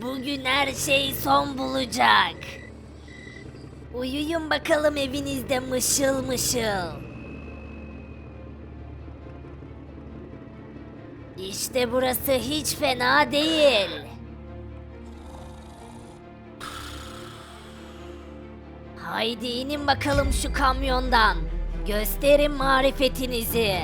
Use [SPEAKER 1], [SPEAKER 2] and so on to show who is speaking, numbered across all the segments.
[SPEAKER 1] Bugün her şey son bulacak. Uyuyun bakalım evinizde mışıl mışıl. İşte burası hiç fena değil. Haydi inin bakalım şu kamyondan. Gösterin marifetinizi.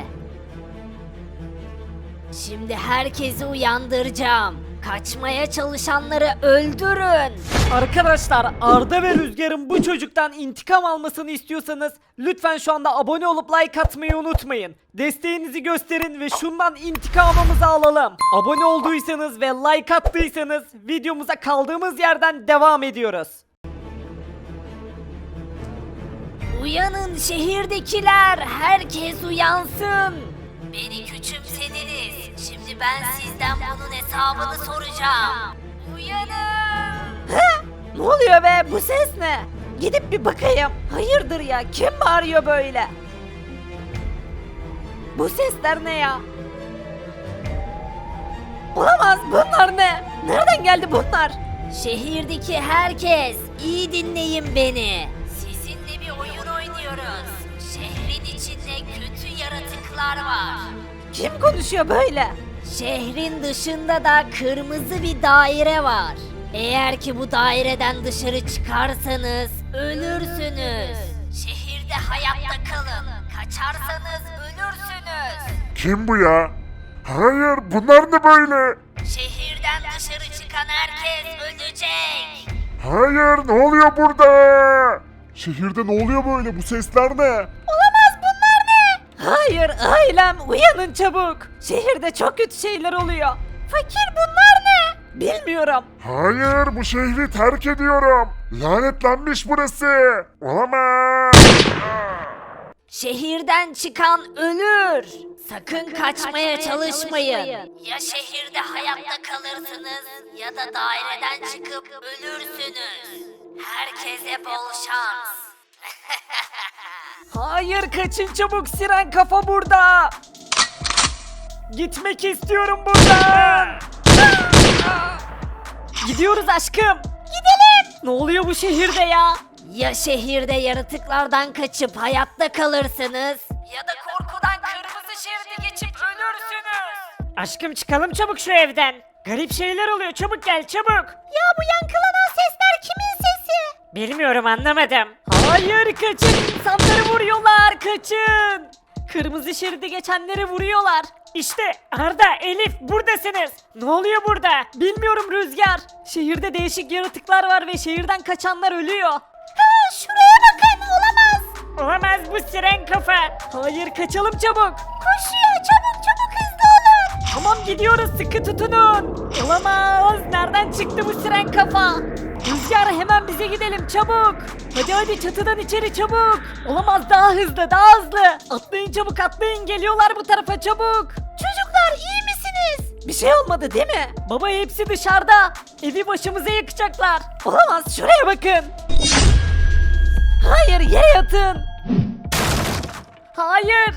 [SPEAKER 1] Şimdi herkesi uyandıracağım. Kaçmaya çalışanları öldürün.
[SPEAKER 2] Arkadaşlar Arda ve Rüzgar'ın bu çocuktan intikam almasını istiyorsanız lütfen şu anda abone olup like atmayı unutmayın. Desteğinizi gösterin ve şundan intikamımızı alalım. Abone olduysanız ve like attıysanız videomuza kaldığımız yerden devam ediyoruz.
[SPEAKER 1] Uyanın şehirdekiler, herkes uyansın. Beni küçümsediniz. Şimdi ben sizden bunun hesabını soracağım. Uyanın.
[SPEAKER 2] Ne oluyor be, bu ses ne? Gidip bir bakayım. Hayırdır ya, kim bağırıyor böyle? Bu sesler ne ya? Olamaz, bunlar ne? Nereden geldi bunlar?
[SPEAKER 1] Şehirdeki herkes, iyi dinleyin beni. Sizinle bir oyun oynuyoruz. Şehrin içinde kötü yaratıklar var.
[SPEAKER 2] Kim konuşuyor böyle?
[SPEAKER 1] Şehrin dışında da kırmızı bir daire var. Eğer ki bu daireden dışarı çıkarsanız ölürsünüz. Şehirde hayatta kalın. Kaçarsanız ölürsünüz.
[SPEAKER 3] Kim bu ya? Hayır, bunlar ne böyle?
[SPEAKER 1] Şehirden dışarı çıkan herkes ölecek.
[SPEAKER 3] Hayır, ne oluyor burada? Şehirde ne oluyor böyle? Bu sesler ne?
[SPEAKER 2] Hayır ailem, uyanın çabuk. Şehirde çok kötü şeyler oluyor. Fakir, bunlar ne? Bilmiyorum.
[SPEAKER 3] Hayır, bu şehri terk ediyorum. Lanetlenmiş burası. Olamaz.
[SPEAKER 1] Şehirden çıkan ölür. Sakın kaçmaya çalışmayın. Ya şehirde hayatta kalırsınız ya da daireden çıkıp ölürsünüz. Herkese bol şans.
[SPEAKER 2] Hayır, kaçın çabuk, siren kafa burada. Gitmek istiyorum buradan. Gidiyoruz aşkım. Gidelim. Ne oluyor bu şehirde ya?
[SPEAKER 1] Ya şehirde yaratıklardan kaçıp hayatta kalırsınız ya da korkudan kırmızı şeridi geçip ölürsünüz.
[SPEAKER 2] Aşkım, çıkalım çabuk şu evden. Garip şeyler oluyor, çabuk gel çabuk.
[SPEAKER 1] Ya bu yankılanan sesler kimin sesi?
[SPEAKER 2] Bilmiyorum, anlamadım. Hayır, kaçın, insanları vuruyorlar, kaçın. Kırmızı şeridi geçenleri vuruyorlar. İşte Arda, Elif, buradasınız. Ne oluyor burada? Bilmiyorum Rüzgar. Şehirde değişik yaratıklar var ve şehirden kaçanlar ölüyor.
[SPEAKER 1] Şuraya bakın, olamaz.
[SPEAKER 2] Olamaz, bu siren kafa. Hayır, kaçalım çabuk.
[SPEAKER 1] Koşuyor, çabuk çabuk hızlı olun.
[SPEAKER 2] Tamam, gidiyoruz, sıkı tutunun. Olamaz, nereden çıktı bu siren kafa? Rüzgar, hemen bize gidelim çabuk. Hadi hadi, çatıdan içeri çabuk. Olamaz, daha hızlı, daha hızlı. Atlayın çabuk, atlayın, geliyorlar bu tarafa çabuk.
[SPEAKER 1] Çocuklar iyi misiniz?
[SPEAKER 2] Bir şey olmadı değil mi? Baba, hepsi dışarıda. Evi başımıza yakacaklar. Olamaz, şuraya bakın. Hayır, yere yatın. Hayır.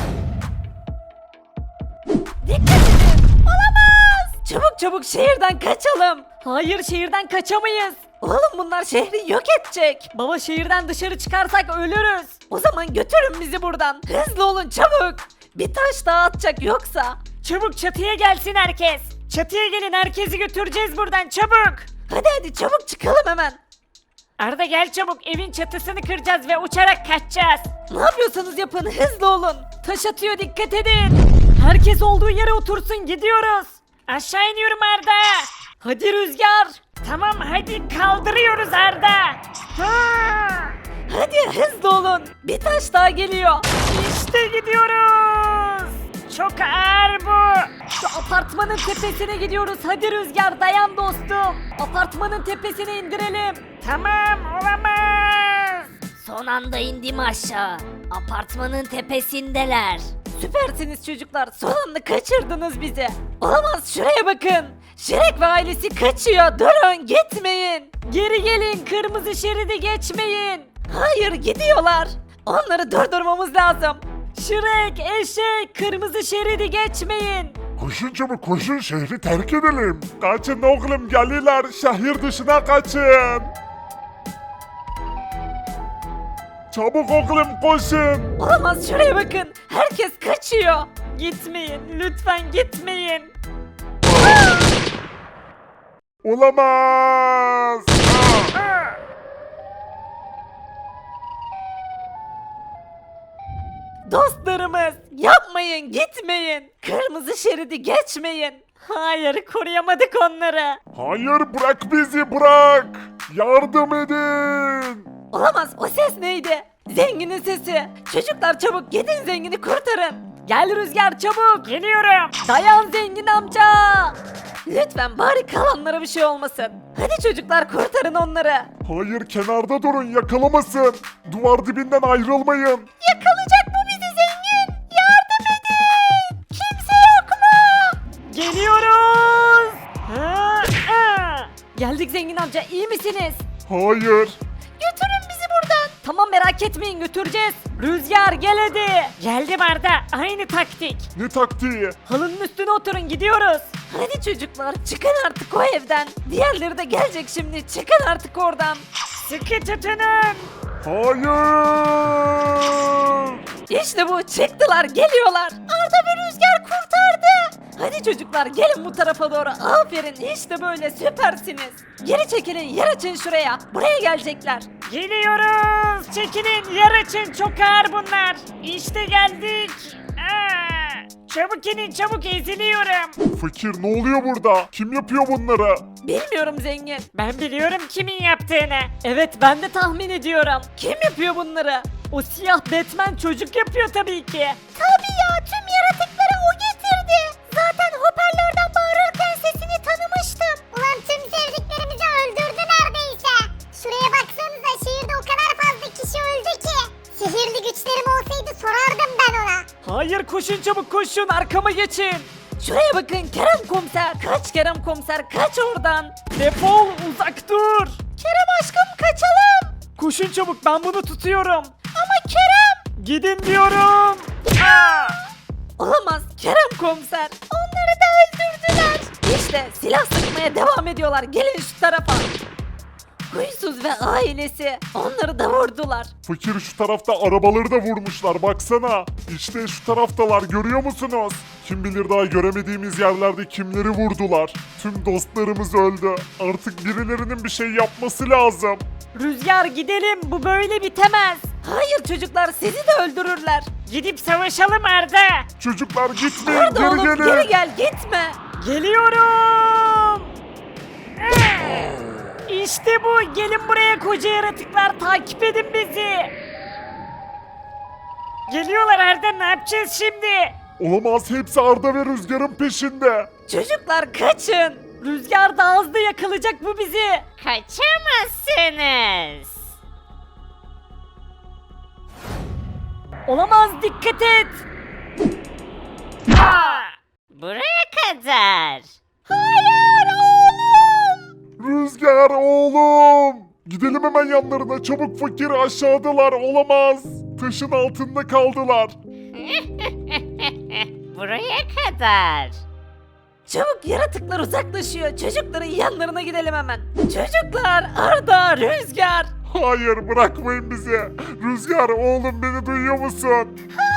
[SPEAKER 2] Dikkat edin. Olamaz. Çabuk çabuk şehirden kaçalım. Hayır, şehirden kaçamayız. Oğlum, bunlar şehri yok edecek. Baba, şehirden dışarı çıkarsak ölürüz. O zaman götürün bizi buradan. Hızlı olun çabuk. Bir taş daha atacak yoksa. Çabuk çatıya gelsin herkes. Çatıya gelin, herkesi götüreceğiz buradan çabuk. Hadi hadi, çabuk çıkalım hemen. Arda, gel çabuk, evin çatısını kıracağız ve uçarak kaçacağız. Ne yapıyorsanız yapın, hızlı olun. Taş atıyor, dikkat edin. Herkes olduğu yere otursun, gidiyoruz. Aşağı iniyorum Arda. Hadi Rüzgar. Tamam, hadi kaldırıyoruz Arda. Hadi hızlı olun. Bir taş daha geliyor. İşte gidiyoruz. Çok ağır bu. Şu apartmanın tepesine gidiyoruz. Hadi Rüzgar, dayan dostum. Apartmanın tepesine indirelim. Tamam, olamaz.
[SPEAKER 1] Son anda indim aşağı. Apartmanın tepesindeler.
[SPEAKER 2] Süpersiniz çocuklar. Son anda kaçırdınız bizi. Olamaz, şuraya bakın. Şirek ve ailesi kaçıyor. Durun, gitmeyin. Geri gelin, kırmızı şeridi geçmeyin. Hayır, gidiyorlar. Onları durdurmamız lazım. Şirek, eşek, kırmızı şeridi geçmeyin.
[SPEAKER 3] Koşun çabuk koşun şehri terk edelim. Kaçın oğlum geliyorlar şehir dışına kaçın. Çabuk oğlum koşun.
[SPEAKER 2] Olamaz, şuraya bakın. Herkes kaçıyor. Gitmeyin, lütfen gitmeyin.
[SPEAKER 3] Olamaz.
[SPEAKER 2] Dostlarımız, yapmayın, gitmeyin. Kırmızı şeridi geçmeyin. Hayır, koruyamadık onları.
[SPEAKER 3] Hayır bırak bizi bırak. Yardım edin.
[SPEAKER 2] Olamaz, o ses neydi? Zenginin sesi. Çocuklar çabuk gidin, zengini kurtarın. Gel Rüzgar çabuk. Geliyorum. Dayan zengin amca. Lütfen bari kalanlara bir şey olmasın. Hadi çocuklar kurtarın onları.
[SPEAKER 3] Hayır kenarda durun yakalamasın. Duvar dibinden ayrılmayın.
[SPEAKER 2] Yakalayacak bu bizi zengin. Yardım edin. Kimse yok mu? Geliyoruz. Geldik zengin amca, iyi misiniz?
[SPEAKER 3] Hayır.
[SPEAKER 2] Götürün bizi buradan. Tamam merak etmeyin, götüreceğiz. Rüzgar gel hadi. Geldim Arda, aynı taktik.
[SPEAKER 3] Ne taktiği?
[SPEAKER 2] Halının üstüne oturun, gidiyoruz. Hadi çocuklar çıkın artık o evden. Diğerleri de gelecek şimdi, çıkın artık oradan. Sıkı tutunun.
[SPEAKER 3] Hayır.
[SPEAKER 2] İşte bu, çıktılar, geliyorlar. Arda ve Rüzgar kurtardı. Hadi çocuklar gelin bu tarafa doğru. Aferin, işte böyle süpersiniz. Geri çekilin, yer açın şuraya. Buraya gelecekler. Geliyoruz. Çekilin, yer açın. Çok ağır bunlar. İşte geldik. Çabuk inin, çabuk, eziliyorum.
[SPEAKER 3] Fakir ne oluyor burada? Kim yapıyor bunları?
[SPEAKER 2] Bilmiyorum zengin. Ben biliyorum kimin yaptığını. Evet, ben de tahmin ediyorum. Kim yapıyor bunları? O siyah Batman çocuk yapıyor tabii ki. Tabii ya, tüm yaratıkları o getirdi. Zaten hoparlörden bağırırken sesini tanımıştım.
[SPEAKER 4] Ulan tüm sevdiklerimizi öldürdü neredeyse. Şuraya baksanıza şehirde o kadar fazla kişi öldü ki. Sihirli güçlerim olsaydı sorardım ben ona.
[SPEAKER 2] Hayır, koşun çabuk koşun, arkama geçin. Şuraya bakın Kerem komiser. Kaç Kerem komiser, kaç oradan. Defol, uzak dur. Kerem aşkım kaçalım. Koşun çabuk, ben bunu tutuyorum. Ama Kerem. Gidin diyorum. Olamaz Kerem komiser. Onları da öldürdüler. İşte silah sıkmaya devam ediyorlar. Gelin şu tarafa. Huysuz ve ailesi onları da vurdular.
[SPEAKER 3] Fakir şu tarafta arabaları da vurmuşlar baksana. İşte şu taraftalar görüyor musunuz? Kim bilir daha göremediğimiz yerlerde kimleri vurdular. Tüm dostlarımız öldü. Artık birilerinin bir şey yapması lazım.
[SPEAKER 2] Rüzgar gidelim, bu böyle bitemez. Hayır çocuklar, sizi de öldürürler. Gidip savaşalım Arda.
[SPEAKER 3] Çocuklar gitmeyin
[SPEAKER 2] Arda
[SPEAKER 3] geri
[SPEAKER 2] oğlum,
[SPEAKER 3] gelin.
[SPEAKER 2] geri gel, gitme. Geliyorum. İşte bu, gelin buraya koca yaratıklar, takip edin bizi. Geliyorlar Arda, ne yapacağız şimdi?
[SPEAKER 3] Olamaz hepsi Arda ve Rüzgar'ın peşinde.
[SPEAKER 2] Çocuklar kaçın. Rüzgar da hızlı yakalayacak bu bizi. Kaçamazsınız. Olamaz, dikkat et. Buraya kadar. Hayır oğlum.
[SPEAKER 3] Rüzgar oğlum. Gidelim hemen yanlarına çabuk fakir aşağıdalar olamaz. Taşın altında kaldılar.
[SPEAKER 1] Buraya kadar.
[SPEAKER 2] Çabuk, yaratıklar uzaklaşıyor. Çocukların yanlarına gidelim hemen. Çocuklar, Arda, Rüzgar.
[SPEAKER 3] Hayır bırakmayın bizi. Rüzgar oğlum beni duyuyor musun?